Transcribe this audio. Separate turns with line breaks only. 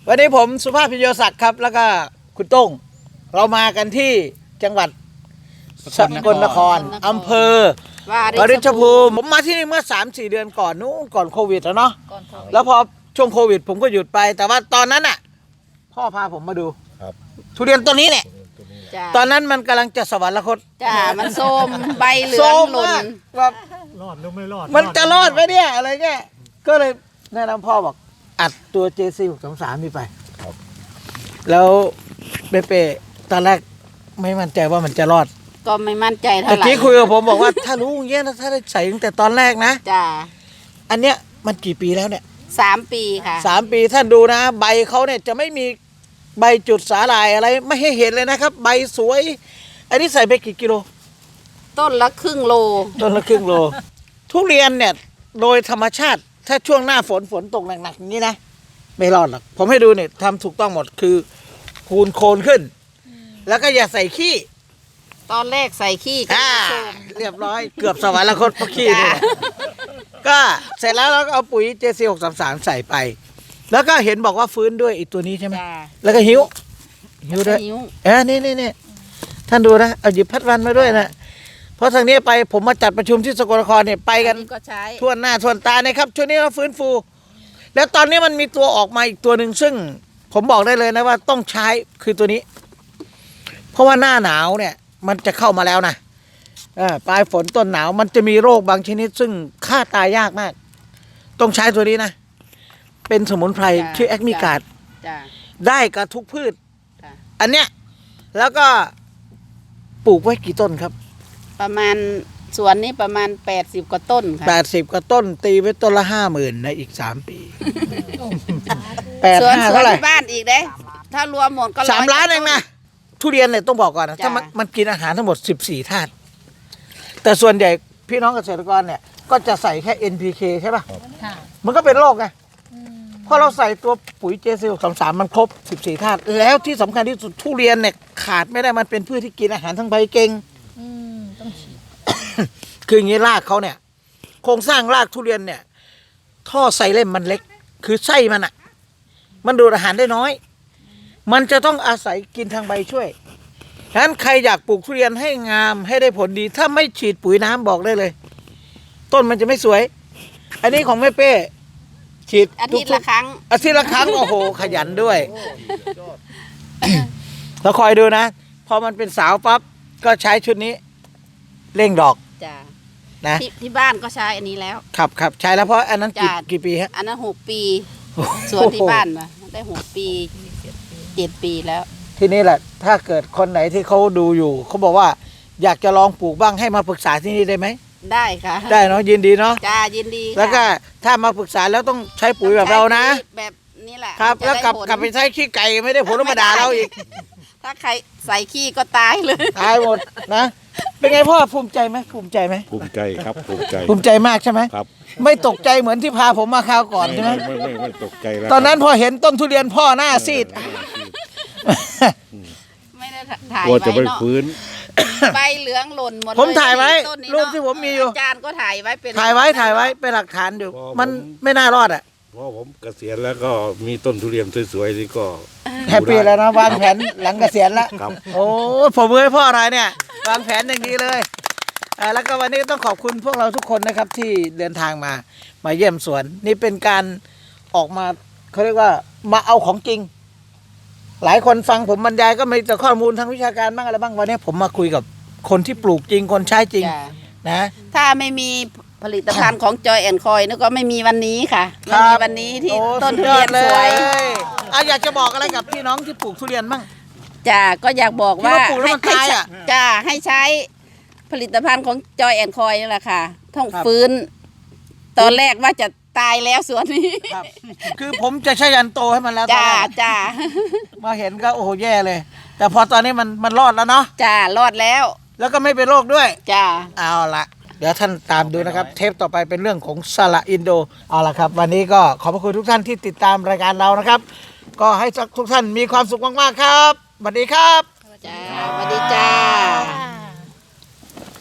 วันนี้ผมสุภาพพิญโยศักดิ์ครับแล้วก็คุณต้งเรามากันที่จังหวัดสกลนครอำเภอวาริชภูมิผมมาที่นี่เมื่อ 3-4 เดือนก่อนนู้นก่อนโควิดแล้วเนาะแล้วพอช่วงโควิดผมก็หยุดไปแต่ว่าตอนนั้นอ่ะพ่อพาผมมาดูทุเรียนต้นนี้เนี่ยตอนนั้นมันกำลังจะสวรรคต
จ้ามันโทมใบเหลืองหล่น
แบบ
รอดหรือไม่รอด
มันจะรอดไหมเนี่ยอะไรเงี้ยก็เลยแนะนำพ่อบอกอัดตัว JC633นี่ไปแล้วเป๊ะตอนแรกไม่มั่นใจว่ามันจะรอด
ก็ไม่มั่นใจเท่าไหร่
ตะกี้คุยกับผมบอกว่าถ้ารู้อย่างเงี้ยถ้าได้ใส่ตั้งแต่ตอนแรกนะ
จ้า
อันเนี้ยมันกี่ปีแล้วเนี่ย
3 ปีค่ะ
3 ปีท่านดูนะใบเขาเนี่ยจะไม่มีใบจุดสาหร่ายอะไรไม่ให้เห็นเลยนะครับใบสวยอันนี้ใส่ไปกี่กิโล
ต้นละครึ่งโล
ทุเรียนเนี่ยโดยธรรมชาติถ้าช่วงหน้าฝนตกหนักๆอย่างนี้นะไม่รอดหรอกผมให้ดูเนี่ยทำถูกต้องหมดคือคูณโคนขึ้นแล้วก็อย่าใส่ขี้
ตอนแรกใส่ขี้ก็
เรียบร้อยเกือบสวรรคตเพราะขี้นี่ก็เสร็จแล้วเราก็เอาปุ๋ย JC633 ใส่ไปแล้วก็เห็นบอกว่าฟื้นด้วยอีกตัวนี้ใช่ไหมแล้วก็หิวด้วยนี่ท่านดูนะเอาหยิบพัดวันมาด้วยนะเพราะทางนี้ไปผมมาจัดประชุมที่สกลนครเนี่ยไปกันทั่วหน้าทั่วตานะครับช่วงนี้เราฟื้นฟูแล้วตอนนี้มันมีตัวออกมาอีกตัวหนึ่งซึ่งผมบอกได้เลยนะว่าต้องใช้คือตัวนี้เพราะว่าหน้าหนาวเนี่ยมันจะเข้ามาแล้วนะปลายฝนต้นหนาวมันจะมีโรคบางชนิดซึ่งฆ่าตายยากมากต้องใช้ตัวนี้นะเป็นสมุนไพรชื่อแอคมิกาดได้กับทุกพืชอันเนี้ยแล้วก็ปลูกไว้กี่ต้นครับ
ประมาณสวนนี้ประมาณ80 กว่าต้นค่ะ
80 กว่าต้นตีไว้ต้นละ 50,000 ในอีก3 ปี
สวนที่บ้านอีกเด้ถ้ารวมหมดก็
3 ล้านเองนะทุเรียนเนี่ยต้องบอกก่อนนะถ้ามันกินอาหารทั้งหมด14 ธาตุแต่ส่วนใหญ่พี่น้องเกษตรกรเนี่ยก็จะใส่แค่ NPK ใช่ป่ะมันก็เป็นโรคไงเพราะเราใส่ตัวปุ๋ย JC633 มันครบ14 ธาตุแล้วที่สำคัญที่สุดทุเรียนเนี่ยขาดไม่ได้มันเป็นพืชที่กินอาหารทั้งใบเก่งต้องฉีดคืออย่างนี้รากเขาเนี่ยโครงสร้างรากทุเรียนเนี่ยท่อไซเลมมันเล็กคือไส้มันอ่ะมันดูดอาหารได้น้อยมันจะต้องอาศัยกินทางใบช่วยฉะนั้นใครอยากปลูกทุเรียนให้งามให้ได้ผลดีถ้าไม่ฉีดปุ๋ยน้ำบอกได้เลยต้นมันจะไม่สวยอันนี้ของแม่เป้ฉีด
อาทิตย์ละครั้ง
โอ้โหขยันด้วยเราคอยดูนะพอมันเป็นสาวปั๊บก็ใช้ชุดนี้เร่งดอก
จ้า
นะ
ที่บ้านก็ใช้อันนี้แล้ว
ครับใช้แล้วเพราะอันนั้นกี่ปีฮะ
อันนั้น6 ปีส่วนที่บ้านมาได้6 ปี7 ปีแล้ว
ทีนี้แหละถ้าเกิดคนไหนที่เขาดูอยู่เขาบอกว่าอยากจะลองปลูกบ้างให้มาปรึกษาที่นี่ได้ไหม
ได้ค่ะ
ได้เนาะยินดีเนาะ
จ้ายินดี
แล้วก็ถ้ามาปรึกษาแล้วต้องใช้ปุ๋ยแบบเรานะ
แบบนี้แหละ
ครับแล้วกลับไปใช้ขี้ไก่ไม่ได้ผลธรรมดาเราอีก
ถ้าใครใส่ขี้ก็ตายเลย
ตายหมดนะเป็นไงพ่อภูมิใจไหมภูมิใจ
ครับภู
มิใจมากใช่ไหม
ครับ
ไม่ตกใจเหมือนที่พาผมมาคราวก่อนใช่ไหม
ไม่ตกใจแล้ว
ตอนนั้นพอเห็นต้นทุเรียนพ่อหน้าซีด
ไม่ได้ถ่าย
ไว้จะไม่ฟื้น
ใบเหลืองหล่นหมด
ผมถ่ายไว้รูปที่ผมมีอยู่
อาจารย์ก็ถ่ายไว้เป็น
เป็นหลักฐานอยู่มันไม่น่ารอดอ่ะ
เพราะผมเกษียณแล้วก็มีต้นทุเรียนสวยๆนี่ก็
แฮปปี้แล้วนะวางแผนหลังเกษียณแล้วโอ้ผมมือให้พ่ออะไรเนี่ยวางแผนอย่างดีเลยแล้วก็วันนี้ต้องขอบคุณพวกเราทุกคนนะครับที่เดินทางมาเยี่ยมสวนนี่เป็นการออกมาเขาเรียกว่ามาเอาของจริงหลายคนฟังผมบรรยายก็มีแต่ข้อมูลทางวิชาการบ้างอะไรบ้างวันนี้ผมมาคุยกับคนที่ปลูกจริงคนใช้จริงนะ
ถ้าไม่มีผลิตภัณฑ์ของจอยแอนคอยนี่ก็ไม่มีวันนี้ค่ะไม่มีวันนี้ที่ต้นทุเรียนสวย
อยากจะบอกอะไรกับพี่น้องที่ปลูกทุเรียนบ้าง
จ้าก็อยากบอกว่าให้ใช้ผลิตภัณฑ์ของจอยแอนคอยนี่แหละค่ะต้องฟื้นตอนแรกว่าจะตายแล้วสวนนี้
คือผมจะใช้ยันโตให้มันแล้ว
จ้า
มาเห็นก็โอ้โหแย่เลยแต่พอตอนนี้มันรอดแล้วเนาะ
จ้ารอดแล้ว
ก็ไม่เป็นโรคด้วย
จ้า
เอาละเดี๋ยวท่านตามดูนะครับเทปต่อไปเป็นเรื่องของสละอินโดเอาละครับวันนี้ก็ขอบพระคุณทุกท่านที่ติดตามรายการเรานะครับก็ให้ทุกท่านมีความสุขมากๆครับสวัสดีครับ
จ้าสวัสดีจ้า